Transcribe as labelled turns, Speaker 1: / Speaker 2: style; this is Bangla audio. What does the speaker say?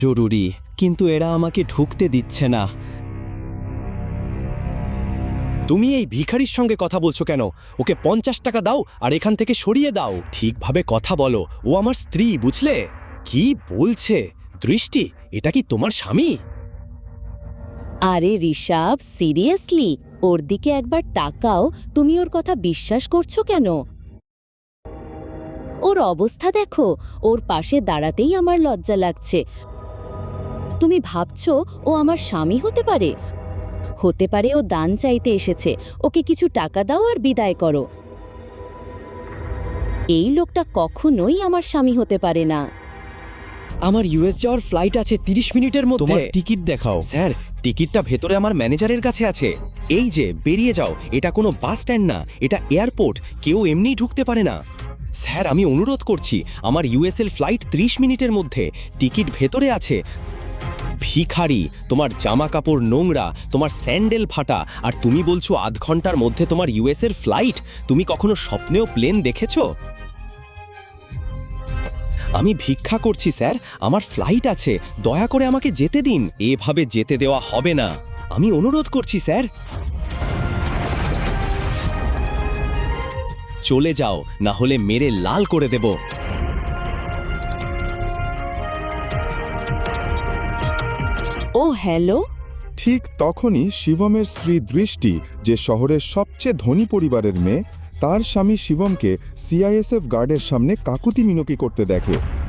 Speaker 1: জরুরি, কিন্তু এরা আমাকে ঢুকতে দিচ্ছে না।
Speaker 2: তুমি এই ভিখারির সঙ্গে কথা বলছো কেন? ওকে 50 টাকা দাও আর এখান থেকে সরিয়ে দাও। ঠিকভাবে কথা বলো, ও আমার স্ত্রী, বুঝলে? কি বলছে? দৃষ্টি, এটা কি তোমার স্বামী?
Speaker 3: আরে ঋষভ, সিরিয়াসলি ওর দিকে একবার তাকাও। তুমি ওর কথা বিশ্বাস করছো কেন? ওর অবস্থা দেখো, ওর পাশে দাঁড়াতেই আমার লজ্জা লাগছে। তুমি ভাবছো ও আমার স্বামী হতে পারে? হতে পারে ও দান চাইতে এসেছে। ওকে কিছু টাকা দাও আর বিদায় করো। এই লোকটা কখনোই আমার স্বামী হতে পারে না।
Speaker 1: আমার ইউএস যাওয়ার ফ্লাইট আছে 30 মিনিটের মধ্যে।
Speaker 2: তোমার টিকিট দেখাও। স্যার, টিকিটটা ভেতরে আমার ম্যানেজারের কাছে আছে। এই যে, বেরিয়ে যাও। এটা কোনো বাস স্ট্যান্ড না, এটা এয়ারপোর্ট। কেউ এমনিই ঢুকতে পারে না। স্যার, আমি অনুরোধ করছি, আমার ইউএসএল ফ্লাইট 30 মিনিটের মধ্যে। টিকিট ভেতরে আছে। ভিখারি, তোমার জামা কাপড় নোংরা, তোমার স্যান্ডেল ফাটা, আর তুমি বলছো আধ ঘন্টার মধ্যে তোমার ইউএসএর ফ্লাইট? তুমি কখনো স্বপ্নেও প্লেন দেখেছো? আমি ভিক্ষা করছি স্যার, আমার ফ্লাইট আছে, দয়া করে আমাকে যেতে দিন। এভাবে যেতে দেওয়া হবে না, আমি অনুরোধ করছি স্যার। চলে যাও, না হলে মেরে লাল করে দেব।
Speaker 3: ও হ্যালো।
Speaker 4: ঠিক তখনই শিবমের স্ত্রী দৃষ্টি, যে শহরের সবচেয়ে ধনী পরিবারের মেয়ে, তার স্বামী শিবমকে সিআইএসএফ গার্ডের সামনে কাকুতি মিনতি করতে দেখে।